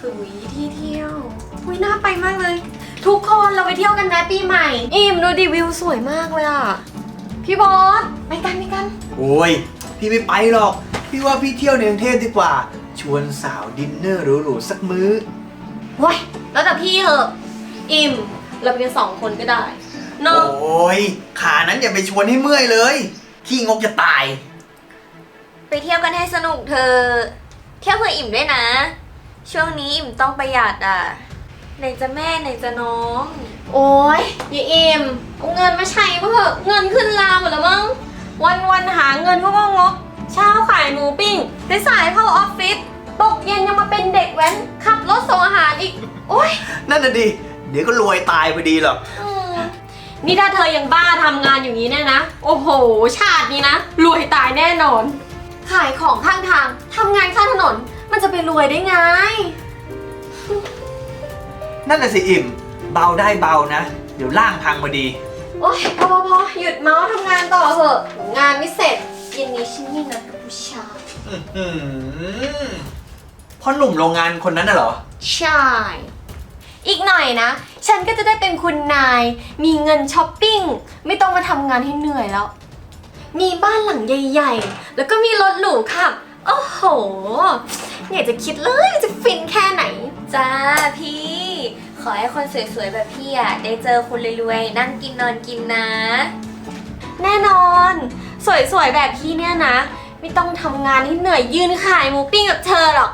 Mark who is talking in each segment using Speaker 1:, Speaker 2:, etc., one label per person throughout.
Speaker 1: หุยที่เที่ยวหุยน่าไปมากเลย ทุกคนเราไปเที่ยวกันนะปีใหม่อิ่มดูดิวิวสวยมากเลยอ่ะพี่บอสไปกัน
Speaker 2: โอ้ยพี่ไม่ไปหรอกพี่ว่าพี่เที่ยวในกรุงเทพดีกว่าชวนสาวดินเนอร์หรูๆสักมื้อ
Speaker 1: ว้ยแล้วแต่พี่เหอะอิ่มเราไปกัน2 คนก็ได้เนอะ
Speaker 2: โอ้ยขานั้นอย่าไปชวนให้เมื่อยเลยขี้งกจะตาย
Speaker 3: ไปเที่ยวกันให้สนุกเธอเที่ยวเพื่ออิ่มด้วยนะ ช่วงนี้อิ่มต้องประหยัดอ่ะไหนจะแม่ไหนจะน้อง
Speaker 1: โอ้ยอย่าอิ่มเอาเงินมาใช้บ้างเถอะเงินขึ้นลาหมดแล้วมั้งวันหาเงินก็งกเช้าขายหมูปิ้งสายเข้าออฟฟิศตกเย็นยังมาเป็นเด็กแว้นขับรถส่งอาหารอีกโอ้ย
Speaker 2: นั่นน่ะดิเดี๋ยวก็รวยตายพอดีหรอก
Speaker 1: นี่ถ้าเธอยังบ้าทำงานอย่างนี้เนี่ยนะโอ้โหชาตินี้นะรวยตายแน่นอนขายของข้างทางทำงานข้างถนนมันจะไปรวยได้ไง
Speaker 2: นั่นน่ะสิอิ่มเบาได้เบานะเดี๋ยวล่างพังพอดี
Speaker 1: โอ๊ยพอหยุดเมาส์ทำงานต่อเถอะงานไม่เสร็จเย็นนี้ฉันมีนัดกับผู้ชาย
Speaker 2: พ่อหนุ่มโรงงานคนนั้นน่ะเหรอ
Speaker 1: ใช่อีกหน่อยนะฉันก็จะได้เป็นคุณนายมีเงินช้อปปิ้งไม่ต้องมาทำงานให้เหนื่อยแล้วมีบ้านหลังใหญ่ๆแล้วก็มีรถหรูขับโอ้โหอยากจะคิดเลยจะฟินแค่ไหน
Speaker 3: จ้าพี่ ขอให้คนสวยๆแบบพี่อ่ะได้เจอคนรวยๆนั่งกินนอนกินนะ
Speaker 1: แน่นอน สวยๆแบบพี่เนี่ยนะ ไม่ต้องทำงานให้เหนื่อยยืนขายหมูปิ้งกับเธอหรอก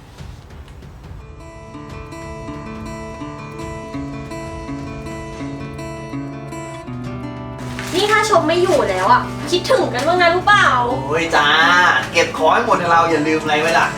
Speaker 1: นี่ถ้าชมไม่อยู่แล้วอ่ะคิดถึงกันบ้างนะรู้เปล่า
Speaker 2: โอ้ยจ้าเก็บของให้หมดนะเราอย่าลืมอะไรไว้ล่ะ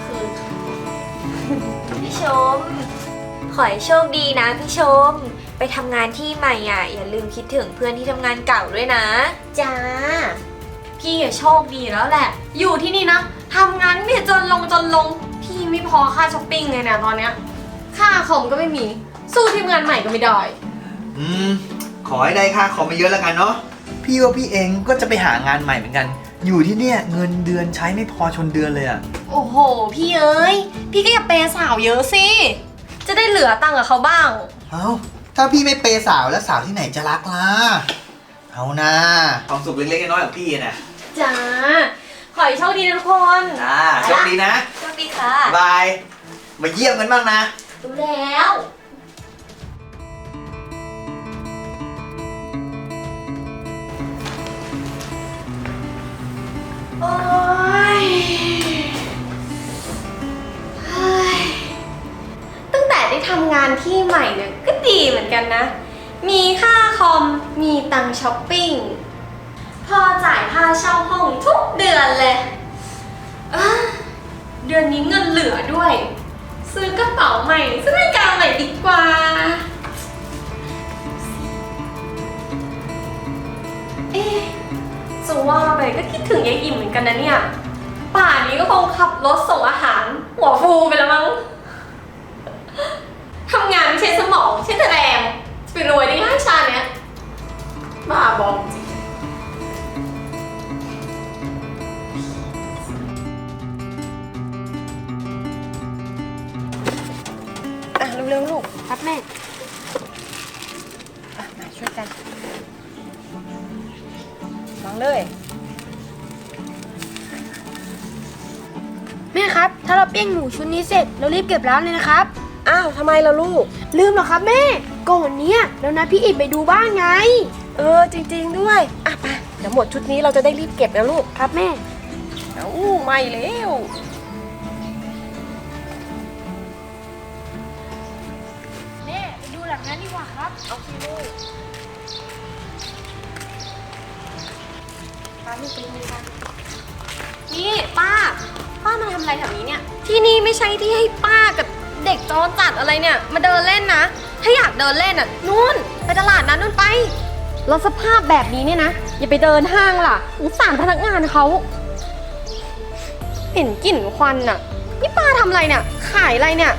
Speaker 3: พี่ชม ขอให้โชคดีนะพี่ชม ไปทำงานที่ใหม่อ่ะอย่าลืมคิดถึงเพื่อนที่ทำงานเก่าด้วยนะ
Speaker 1: จ้าพี่อะโชคดีแล้วแหละ อยู่ที่นี่นะทำงานไม่จนลงพี่ไม่พอค่าช้อปปิ้งเลยเนี่ยตอนเนี้ยค่าคอมก็ไม่มีสู้ทีมงานใหม่ก็ไม่ได้
Speaker 2: ขอให้ได้ค่าคอมไม่เยอะแล้วกันเนาะพี่ว่าพี่เองก็จะไปหางานใหม่เหมือนกัน อยู่ที่เนี่ยเงินเดือนใช้ไม่พอชนเดือนเลยอะ
Speaker 1: โอ้โหพี่เอ้ยพี่ก็อย่าเปย์สาวเยอะสิจะได้เหลือตังค์กับเขาบ้าง
Speaker 2: เอ้าถ้าพี่ไม่เปย์สาวแล้วสาวที่ไหนจะรักล่ะเอานะความสุขเล็กๆน้อยๆของพี่นะ
Speaker 1: จ้าขอให้โชคดีนะทุกคน
Speaker 2: โชคดีนะ
Speaker 3: โชคดีค่ะ
Speaker 2: บายมาเยี่ยมกันบ้างนะ
Speaker 1: ดูแล้ว โอ๊ยเฮ้ยตั้งแต่ได้ทำงานที่ใหม่เนี่ยก็ดีเหมือนกันนะ มีค่าคอม มีตังค์ช้อปปิ้ง พอจ่ายค่าเช่าห้องทุกเดือนเลยอ่ะเดือนนี้เงินเหลือด้วย ซื้อกระเป๋าใหม่ซื้อนาฬิกาใหม่ดีกว่า เอ๊ะจะว่าไปก็คิดถึงยายอิ่มเหมือนกันนะเนี่ย ป่านนี้ก็คงขับรถส่งอาหาร หัวฟูไปแล้วมั้ง ทำงานไม่ใช่สมองใช่แต่แรงจะไปรวยได้ง่ายชาเนี้ยบ้าบอจริงเร็วๆลูกครับแม่มาช่วยกันวางเลย
Speaker 4: แม่ครับถ้าเราปิ้งหมูชุดนี้เสร็จเรารีบเก็บร้านเลยนะครับ
Speaker 1: อ้าวทำไมล่ะลูก
Speaker 4: ลืมเหรอครับแม่ก่อนเนี้ยแล้วนะพี่อิบไปดูบ้านไง
Speaker 1: จริงๆด้วยอ่ะไปเดี๋ยวหมดชุดนี้เราจะได้รีบเก็บนะลูก
Speaker 4: ครับแม่
Speaker 1: เอ้าไม่แล้ว
Speaker 4: แม่ไปดูหลังนั้นดีกว่าครับ
Speaker 1: เอาสิลูกป้าลูกไปดูกันนี่ป้ามาทำอะไรแถวนี้เนี่ย ที่นี่ไม่ใช่ที่ให้ป้ากับเด็กจอจัดอะไรเนี่ย มาเดินเล่นนะ ถ้าอยากเดินเล่นอ่ะนู่นไปตลาดนั้นนู่นไปแล้วสภาพแบบนี้เนี่ยนะ อย่าไปเดินห้างล่ะสงสารพนักงานเขาเห็นกลิ่นควันน่ะนี่ป้าทำอะไรเนี่ยขายอะไรเนี่ย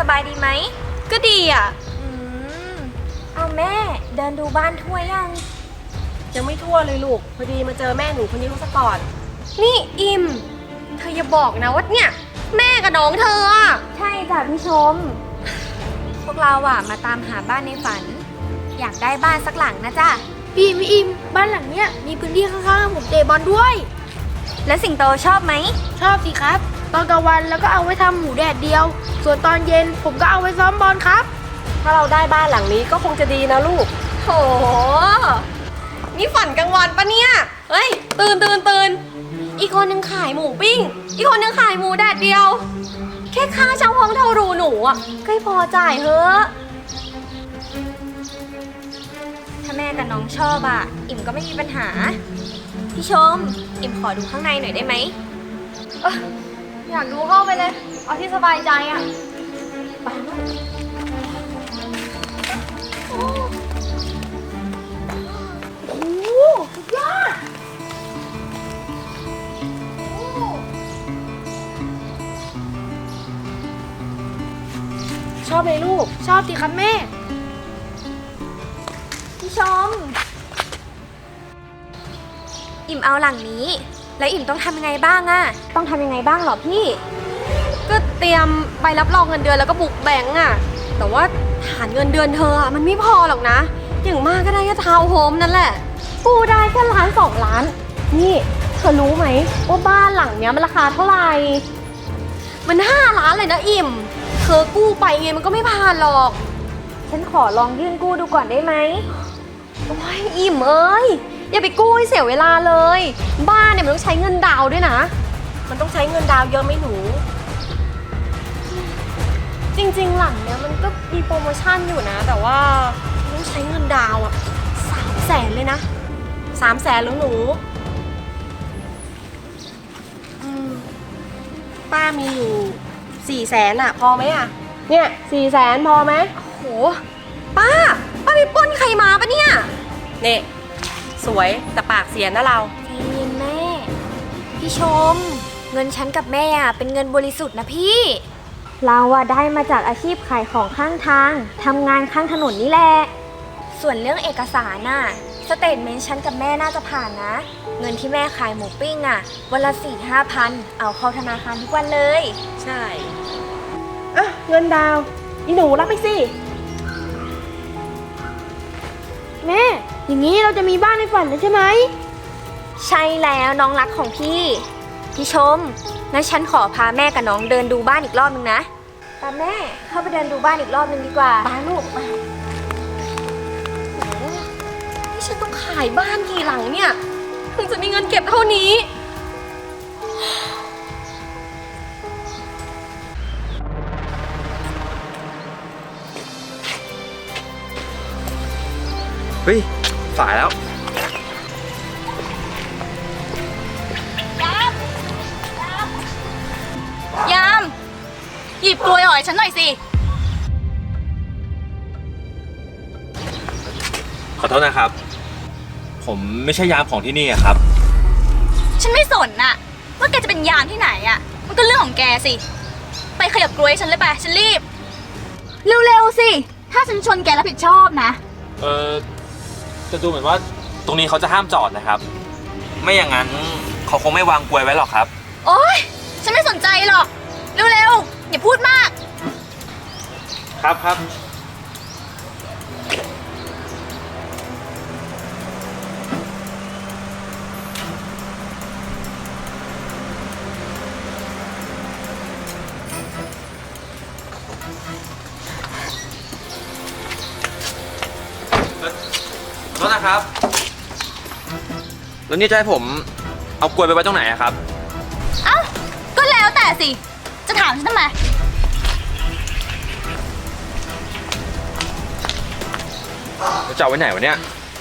Speaker 3: บายดีไหม
Speaker 1: ก็ดีอ่ะ
Speaker 3: เอาแม่เดินดูบ้านทั่วยัง
Speaker 4: ยังไม่ทั่วเลยลูก พอดีมาเจอแม่หนูคนนี้ซะก่อน
Speaker 1: นี่อิม เธออย่าบอกนะว่าเนี่ย แม่กับน้องเธออ่ะ
Speaker 3: ใช่จ้ะพี่ชม พวกเราอะมาตามหาบ้านในฝัน อยากได้บ้านสักหลังนะจ๊ะ
Speaker 4: พี่อิมบ้านหลังเนี้ยมีพื้นที่ข้างๆผมเตะบอลด้วย
Speaker 3: แล้วสิงโตชอบไหม
Speaker 4: ชอบสิครับ ตอนกลางวันแล้วก็เอาไว้ทำหมูแดดเดียว ส่วนตอนเย็นผมก็เอาไว้ซ้อมบอลครับ
Speaker 1: ถ้าเราได้บ้านหลังนี้ก็คงจะดีนะลูกโห นี่ฝันกลางวันปะเนี่ย เฮ้ย ตื่น อีกคนนึงขายหมูปิ้ง อีกคนนึงขายหมูแดดเดียว แค่ค่าเช่าห้องเท่ารูหนูอ่ะก็พอจ่ายเฮ้อะ
Speaker 3: ถ้าแม่กับน้องชอบอะอิ่มก็ไม่มีปัญหา พี่ชม อิ่มขอดูข้างในหน่อยได้ไหม
Speaker 1: อยากดูเข้าไปเลย เอาที่สบายใจอ่ะ ไปลูก
Speaker 4: โอ้โหสุดยอดชอบไหมลูก ชอบสิครับแม่
Speaker 3: พี่ชม อิ่มเอาหลังนี้ แล้วอิ่มต้องทำยังไงบ้างอะต้องทำยังไงบ้างเหรอพี่
Speaker 1: ก็เตรียมใบรับรองเงินเดือนแล้วก็บุกแบงก์อ่ะ แต่ว่าฐานเงินเดือนเธออ่ะมันไม่พอหรอกนะ อย่างมากก็ได้แค่ทาวน์โฮมนั่นแหละ กู้ได้แค่1-2 ล้าน นี่เธอรู้ไหมว่าบ้านหลังเนี้ยมันราคาเท่าไหร่ มัน5 ล้านเลยนะอิ่ม เธอกู้ไปไงมันก็ไม่ผ่านหรอก
Speaker 3: ฉันขอลองยื่นกู้ดูก่อนได้ไหม
Speaker 1: โอ้ยอิ่มเอ้ยอย่าไปกู้ให้เสียเวลาเลย บ้านเนี่ยมันต้องใช้เงินดาวน์ด้วยนะ
Speaker 4: มันต้องใช้เงินดาวเยอะไหมหนู
Speaker 1: จริงๆหลังเนี้ยมันก็มีโปรโมชั่นอยู่นะ แต่ว่าต้องใช้เงินดาวน์อ่ะ300,000เลยนะ
Speaker 4: 300,000แล้วหนูป้ามีอยู่400,000อ่ะ พอไหมอ่ะ เนี่ย400,000พอไหม
Speaker 1: โหป้าไปปล้นใครมาปะเนี่ย
Speaker 4: เนี่ยสวยแต่ปากเสียนะเรา
Speaker 3: ใจเย็นแม่ พี่ชม เงินฉันกับแม่อะเป็นเงินบริสุทธิ์นะพี่ เราอะได้มาจากอาชีพขายของข้างทางทำงานข้างถนนนี่แหละ ส่วนเรื่องเอกสารน่ะสเตทเมนต์ฉันกับแม่น่าจะผ่านนะ เงินที่แม่ขายหมูปิ้งอะวันละ4-5 พันเอาเข้าธนาคารทุกวันเลย
Speaker 4: ใช่ อ่ะ เงินดาว อีหนูรับไปสิ แม่ อย่างนี้เราจะมีบ้านในฝันแล้วใช่ไหม
Speaker 3: ใช่แล้วน้องรักของพี่ พี่ชมงั้นฉันขอพาแม่กับน้องเดินดูบ้านอีกรอบนึงนะตามแม่เข้าไปเดินดูบ้านอีกรอบนึงดีกว่า
Speaker 1: ป้าลูกมาโหนี่ฉันต้องขายบ้านกี่หลังเนี่ยถึงจะมีเงินเก็บเท่านี้
Speaker 2: เฮ้ย สายแล้ว
Speaker 5: ยาม หยิบกล้วยอ่อยฉันหน่อยสิ
Speaker 6: ขอโทษนะครับ ผมไม่ใช่ยามของที่นี่อะครับ
Speaker 5: ฉันไม่สนน่ะว่าแกจะเป็นยามที่ไหนอ่ะ มันก็เรื่องของแกสิ ไปขยับกล้วยฉันเลยไป ฉันรีบ เร็วๆสิ ถ้าฉันชนแกรับผิดชอบนะ
Speaker 6: จะดูเหมือนว่าตรงนี้เขาจะห้ามจอดนะครับ ไม่อย่างนั้นเขาคงไม่วางกลวยไว้หรอกครับ
Speaker 5: โอ๊ย ฉันไม่สนใจหรอก เร็วๆ อย่าพูดมาก
Speaker 6: ครับ ขอโทษนะครับ แล้วนี่จะให้ผมเอากลวยไปไว้ตรงไหนอะครับ
Speaker 5: เอ้า ก็แล้วแต่สิ จะถามฉันทำไม
Speaker 6: แล้วจะเอาไว้ไหนวะเนี่ย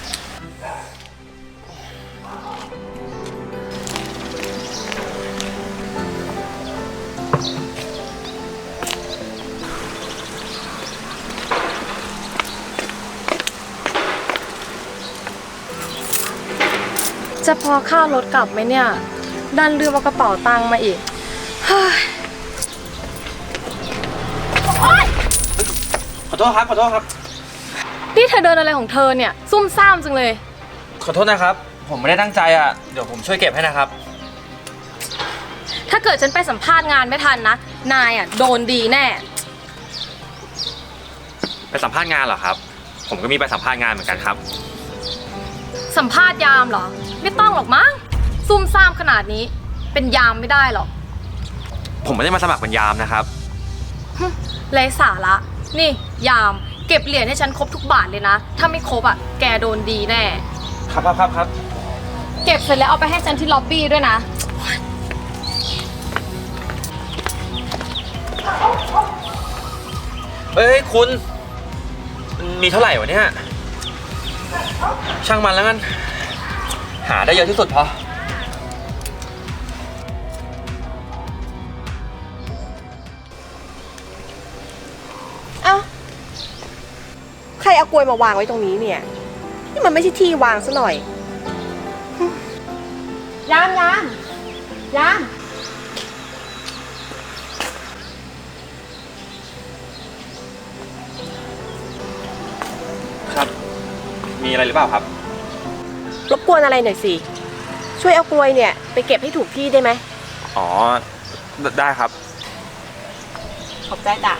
Speaker 1: จะพอค่ารถกลับไหมเนี่ย ดันลืมเอากระเป๋าตังค์มาอีก เฮ้ย
Speaker 5: โอ๊ย
Speaker 6: โทษครับ ขอโทษครับ
Speaker 7: นี่เธอเดินอะไรของเธอเนี่ย ซุ่มซ่ามจังเลย
Speaker 6: ขอโทษนะครับ ผมไม่ได้ตั้งใจอ่ะ เดี๋ยวผมช่วยเก็บให้นะครับ
Speaker 7: ถ้าเกิดฉันไปสัมภาษณ์งานไม่ทันนะ นายอ่ะโดนดีแน่
Speaker 6: ไปสัมภาษณ์งานเหรอครับ ผมก็มีไปสัมภาษณ์งานเหมือนกันครับ
Speaker 7: สัมภาษณ์ยามเหรอ ไม่ต้องหรอกมั้ง ซุ่มซ่ามขนาดนี้ เป็นยามไม่ได้หรอก
Speaker 6: ผมไม่ได้มาสมัครเป็นยามนะครับ
Speaker 7: ไร้สาระ นี่ยามเก็บเหรียญให้ฉันครบทุกบาทเลยนะ ถ้าไม่ครบอ่ะ แกโดนดีแน่
Speaker 6: ครับ
Speaker 7: เก็บเสร็จแล้วเอาไปให้ฉันที่ล็อบบี้ด้วยนะ
Speaker 6: เอ้ยคุณมีเท่าไหร่วะเนี่ย ช่างมันแล้วกัน หาได้เยอะที่สุดพอ
Speaker 1: เอ้า ใครเอากลวยมาวางไว้ตรงนี้เนี่ย นี่มันไม่ใช่ที่วางซะหน่อย ยาม
Speaker 6: ครับ มีอะไรหรือเปล่าครับ
Speaker 1: รบกวนอะไรหน่อยสิ ช่วยเอากลวยเนี่ยไปเก็บให้ถูกที่ได้ไหม
Speaker 6: อ๋อ ได้ครับ
Speaker 1: ขอบใจจ้ะ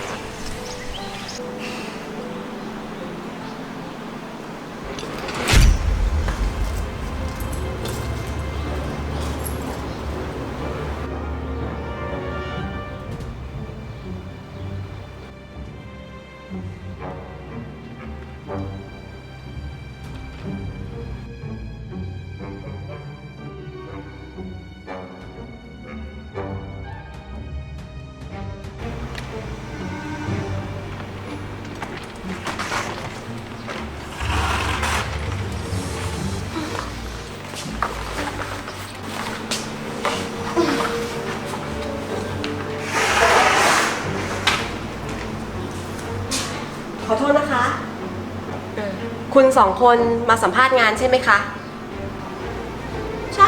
Speaker 1: ขอโทษนะคะ คุณสองคนมาสัมภาษณ์งานใช่ไหมคะ ใช่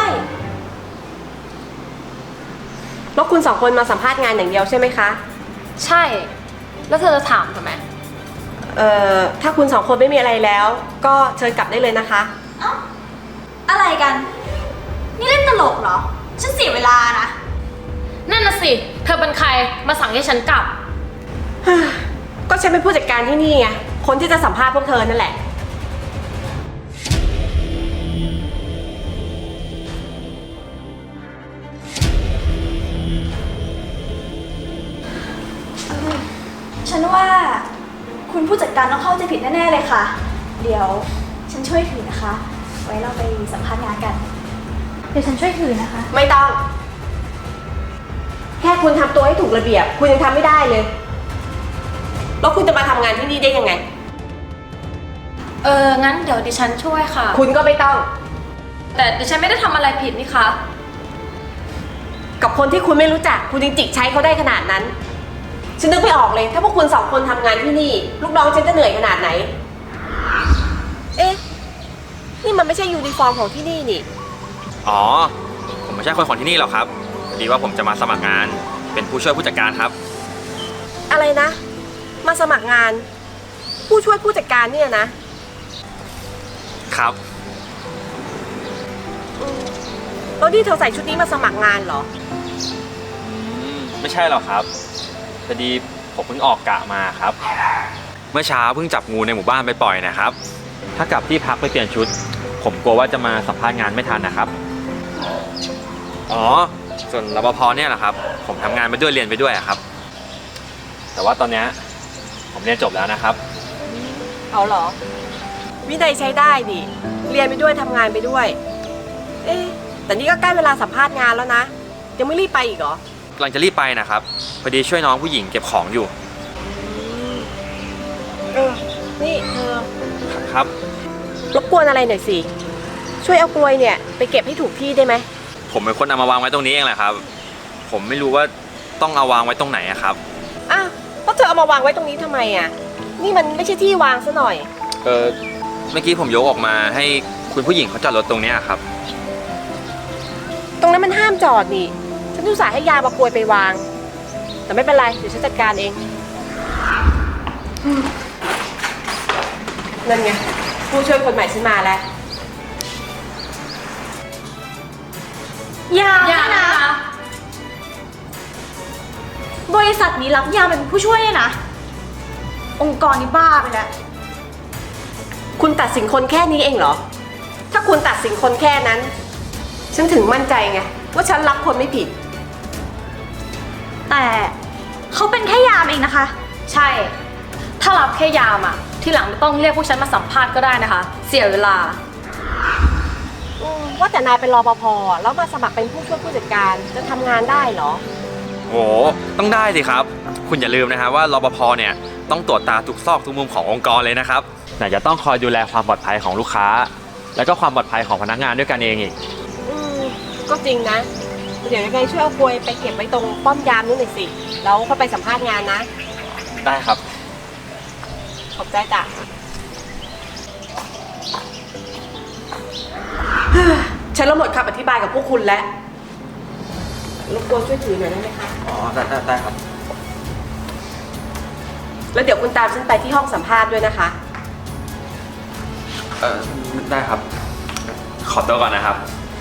Speaker 1: แล้วคุณสองคนมาสัมภาษณ์งานอย่างเดียวใช่ไหมคะ
Speaker 7: ใช่ แล้วเธอจะถามทำไม
Speaker 1: ถ้าคุณสองคนไม่มีอะไรแล้ว ก็เชิญกลับได้เลยนะคะ
Speaker 5: เอ้า อะไรกัน นี่เล่นตลกเหรอ ฉันเสียเวลานะ
Speaker 7: นั่นน่ะสิ เธอเป็นใคร มาสั่งให้ฉันกลับ
Speaker 1: ก็ฉันเป็นผู้จัดการที่นี่ไง คนที่จะสัมภาษณ์พวกเธอนั่นแหละ
Speaker 5: ฉันว่าคุณผู้จัดการต้องเข้าใจผิดแน่ๆเลยค่ะ เดี๋ยวฉันช่วยถือนะคะ ไว้เราไปสัมภาษณ์งานกัน เดี๋ยวฉันช่วยถือนะคะ
Speaker 1: ไม่ต้อง แค่คุณทำตัวให้ถูกระเบียบ คุณยังทำไม่ได้เลย แล้วคุณจะมาทำงานที่นี่ได้ยังไง
Speaker 7: งั้นเดี๋ยวดิฉันช่วยค่ะ
Speaker 1: คุณก็ไม่ต้อง
Speaker 7: แต่ดิฉันไม่ได้ทำอะไรผิดนี่คะ
Speaker 1: กับคนที่คุณไม่รู้จัก คุณยังจิกใช้เขาได้ขนาดนั้น ฉันนึกไม่ออกเลย ถ้าพวกคุณสองคนทำงานที่นี่ ลูกน้องฉันจะเหนื่อยขนาดไหน เอ๊ะ นี่มันไม่ใช่ยูนิฟอร์มของที่นี่นี่
Speaker 6: อ๋อ ผมไม่ใช่คนของที่นี่หรอกครับพอดีว่าผมจะมาสมัครงาน เป็นผู้ช่วยผู้จัดการครับ
Speaker 1: อะไรนะ มาสมัครงาน ผู้ช่วยผู้จัดการเนี่ยนะ
Speaker 6: ครับ
Speaker 1: แล้วนี่เธอใส่ชุดนี้มาสมัครงานเหรอ
Speaker 6: ไม่ใช่หรอกครับพอดีผมเพิ่งออกกะมาครับ เมื่อเช้าเพิ่งจับงูในหมู่บ้านไปปล่อยนะครับ ถ้ากลับที่พักไปเปลี่ยนชุด ผมกลัวว่าจะมาสัมภาษณ์งานไม่ทันนะครับ อ๋อ ส่วนรปภเนี่ยแหละครับ ผมทำงานไปด้วยเรียนไปด้วยอะครับ แต่ว่าตอนเนี้ยผมเรียนจบแล้วนะครับ
Speaker 1: เอาเหรอ วินัยใช้ได้ดิ เรียนไปด้วยทำงานไปด้วย เอ๊ะ แต่นี่ก็ใกล้เวลาสัมภาษณ์งานแล้วนะ ยังไม่รีบไปอีกเหรอ
Speaker 6: กำลังจะรีบไปนะครับพอดีช่วยน้องผู้หญิงเก็บของอยู่
Speaker 1: นี่เธอ
Speaker 6: ครับ
Speaker 1: รบกวนอะไรหน่อยสิ ช่วยเอากลวยเนี่ยไปเก็บให้ถูกที่ได้ไหม
Speaker 6: ผมเป็นคนเอามาวางไว้ตรงนี้เองแหละครับ ผมไม่รู้ว่าต้องเอาวางไว้ตรงไหนอะครับ
Speaker 1: อ้าวแล้วเธอเอามาวางไว้ตรงนี้ทำไมอ่ะ นี่มันไม่ใช่ที่วางซะหน่อย
Speaker 6: เมื่อกี้ผมยกออกมาให้คุณผู้หญิงเขาจอดรถตรงเนี้ยครับ
Speaker 1: ตรงนั้นมันห้ามจอดนี่ ฉันอุตส่าห์ให้ยามากลวยไปวาง แต่ไม่เป็นไร เดี๋ยวฉันจัดการเองนั่นไง ผู้ช่วยคนใหม่ฉันมาแล้ว
Speaker 5: ยาม
Speaker 7: อย่า
Speaker 5: เนี่ย
Speaker 7: นะ
Speaker 5: นะ บริษัทนี้รับยามเป็นผู้ช่วยเนี่ยนะ องค์กรนี้บ้าไปแล้ว
Speaker 1: คุณตัดสินคนแค่นี้เองเหรอ ถ้าคุณตัดสินคนแค่นั้น ฉันถึงมั่นใจไงว่าฉันรับคนไม่ผิด
Speaker 5: แต่เขาเป็นแค่ยามเองนะคะ
Speaker 7: ใช่ ถ้ารับแค่ยามอ่ะ ที่หลังไม่ต้องเรียกพวกฉันมาสัมภาษณ์ก็ได้นะคะ เสียเวลา
Speaker 1: ว่าแต่นายเป็นรปภแล้วมาสมัครเป็นผู้ช่วยผู้จัดการจะทำงานได้เหรอ
Speaker 6: โอ้ต้องได้สิครับ คุณอย่าลืมนะครับว่ารปภเนี่ยต้องตรวจตาทุกซอกทุกมุมขององค์กรเลยนะครับไหนจะต้องคอยดูแลความปลอดภัยของลูกค้า แล้วก็ความปลอดภัยของพนักงานด้วยกันเองอีก
Speaker 1: ก็จริงนะ เดี๋ยวยังไงช่วยเอากลวยไปเก็บไว้ตรงป้อมยามนู่นหน่อยสิ แล้วค่อยไปสัมภาษณ์งานนะ
Speaker 6: ได้ครับ
Speaker 1: ขอบใจจ้ะ ฉันละหมดคำอธิบายกับพวกคุณแล้วรบกวนช่วยถือหน่อยได้ไหมคะ
Speaker 6: อ๋อได้ครับ
Speaker 1: แล้วเดี๋ยวคุณตามฉันไปที่ห้องสัมภาษณ์ด้วยนะคะ
Speaker 6: ได้ครับ ขอตัวก่อนนะครับ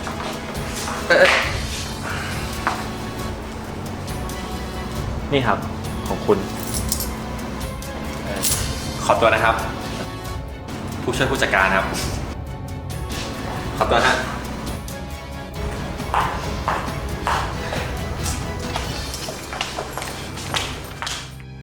Speaker 6: นี่ครับของคุณ ขอตัวนะครับ ผู้ช่วยผู้จัดการครับ ขอตัวนะ